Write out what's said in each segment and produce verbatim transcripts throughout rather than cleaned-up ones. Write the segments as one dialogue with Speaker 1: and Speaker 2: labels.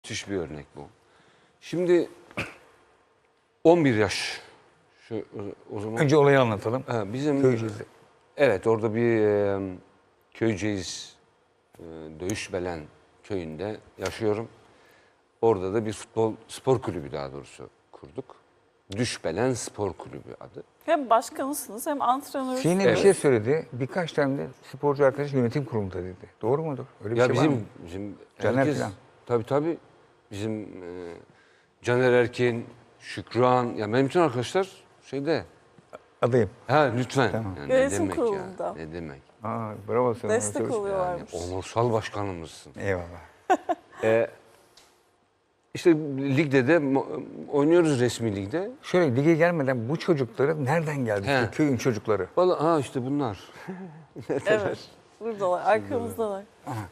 Speaker 1: Müthiş bir örnek bu. Şimdi on bir yaş. Şu, o zaman
Speaker 2: Önce olayı anlatalım.
Speaker 1: ha, bizim
Speaker 2: Köyceğiz'de.
Speaker 1: Evet, orada bir e, Köyceğiz e, Dövüşbelen köyünde yaşıyorum. Orada da bir futbol spor kulübü daha doğrusu kurduk. Düşbelen Spor Kulübü adı.
Speaker 3: Hem başkanısınız hem antrenörsünüz.
Speaker 2: Yine
Speaker 1: Evet.
Speaker 2: bir şey söyledi. Birkaç tane de sporcu arkadaş yönetim kurulunda dedi. Doğru mudur? Öyle bir
Speaker 1: Ya
Speaker 2: şey var mı?
Speaker 1: bizim bizim
Speaker 2: Caner
Speaker 1: herkes
Speaker 2: falan.
Speaker 1: tabii tabii bizim e, Caner Erkin, Şükran ya benim bütün arkadaşlar şeyde.
Speaker 2: Adayım.
Speaker 1: Ha lütfen.
Speaker 2: Tamam.
Speaker 1: Yani ne
Speaker 3: Yönetim
Speaker 1: demek ya?
Speaker 3: kurulunda.
Speaker 1: Ne demek?
Speaker 2: Aa, bravo sana.
Speaker 3: Destek
Speaker 2: Söz-
Speaker 3: oluyorlarmış.
Speaker 1: Onursal başkanımızsın.
Speaker 2: Eyvallah.
Speaker 1: Ee, işte ligde de mo- oynuyoruz resmi ligde.
Speaker 2: Şöyle lige gelmeden bu çocukları nereden geldi?
Speaker 1: He.
Speaker 2: İşte köyün çocukları.
Speaker 1: Vallahi ha işte bunlar.
Speaker 3: Evet. Buradalar, arkamızdalar.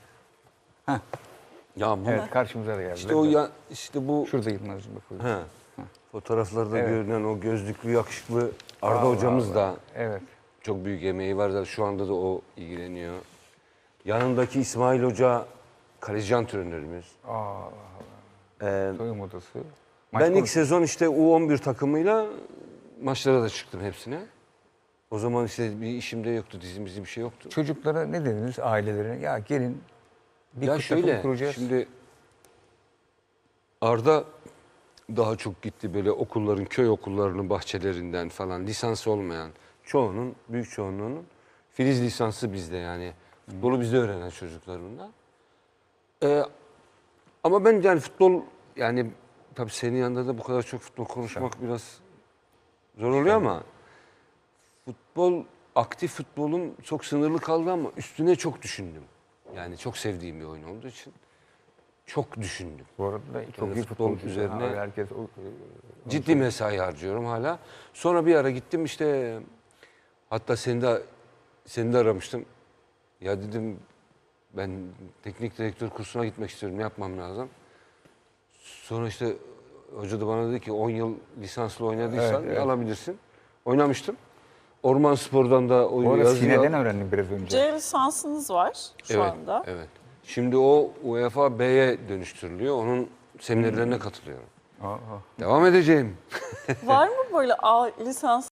Speaker 1: Ya bu
Speaker 2: Evet, karşımıza da geldi.
Speaker 1: işte o ya işte bu
Speaker 2: Şurada Yılmaz'ın bakıyor.
Speaker 1: he, fotoğraflarda
Speaker 2: Evet.
Speaker 1: görünen o gözlüklü yakışıklı Arda
Speaker 2: Vallahi
Speaker 1: hocamız da
Speaker 2: Evet.
Speaker 1: çok büyük emeği var da şu anda da o ilgileniyor. Yanındaki İsmail Hoca kaleci antrenörümüz.
Speaker 2: Aa,
Speaker 1: Ee,
Speaker 2: soyunma odası. Maç
Speaker 1: ben ilk
Speaker 2: konusu.
Speaker 1: sezon işte U on bir takımıyla maçlara da çıktım hepsine. O zaman işte bir işim de yoktu, dizim bizim bir şey yoktu.
Speaker 2: Çocuklara ne dediniz ailelerine? Ya gelin bir
Speaker 1: Ya
Speaker 2: takım
Speaker 1: şöyle,
Speaker 2: kuracağız.
Speaker 1: şimdi Arda daha çok gitti böyle okulların, köy okullarının bahçelerinden falan lisans olmayan çoğunun, büyük çoğunluğunun Filiz lisansı bizde yani. Futbolu bizde öğrenen çocuklarında. Ee, ama ben yani futbol yani tabii senin yanında da bu kadar çok futbol konuşmak biraz zor oluyor ama futbol, aktif futbolum çok sınırlı kaldı ama üstüne çok düşündüm. Yani çok sevdiğim bir oyun olduğu için çok düşündüm.
Speaker 2: Bu arada çok
Speaker 1: Yani
Speaker 2: iyi
Speaker 1: futbol
Speaker 2: futbolcu.
Speaker 1: üzerine-
Speaker 2: Ha, herkes o,
Speaker 1: Ciddi mesai harcıyorum hala. Sonra bir ara gittim işte hatta seni de seni de aramıştım. Ya dedim ben teknik direktör kursuna gitmek istiyorum. Ne yapmam lazım? Sonra işte hoca da bana dedi ki on yıl lisanslı oynadıysan
Speaker 2: Evet, evet.
Speaker 1: alabilirsin. Oynamıştım. Orman Spor'dan da o
Speaker 2: Bu arada
Speaker 1: yazıyı
Speaker 2: Sine'den
Speaker 1: al-
Speaker 2: öğrendim biraz önce.
Speaker 3: C lisansınız var şu
Speaker 1: Evet,
Speaker 3: anda.
Speaker 1: evet. Şimdi o UEFA B'ye dönüştürülüyor. Onun seminerlerine katılıyorum.
Speaker 2: Aa, aa.
Speaker 1: Devam edeceğim.
Speaker 3: Var mı böyle A lisans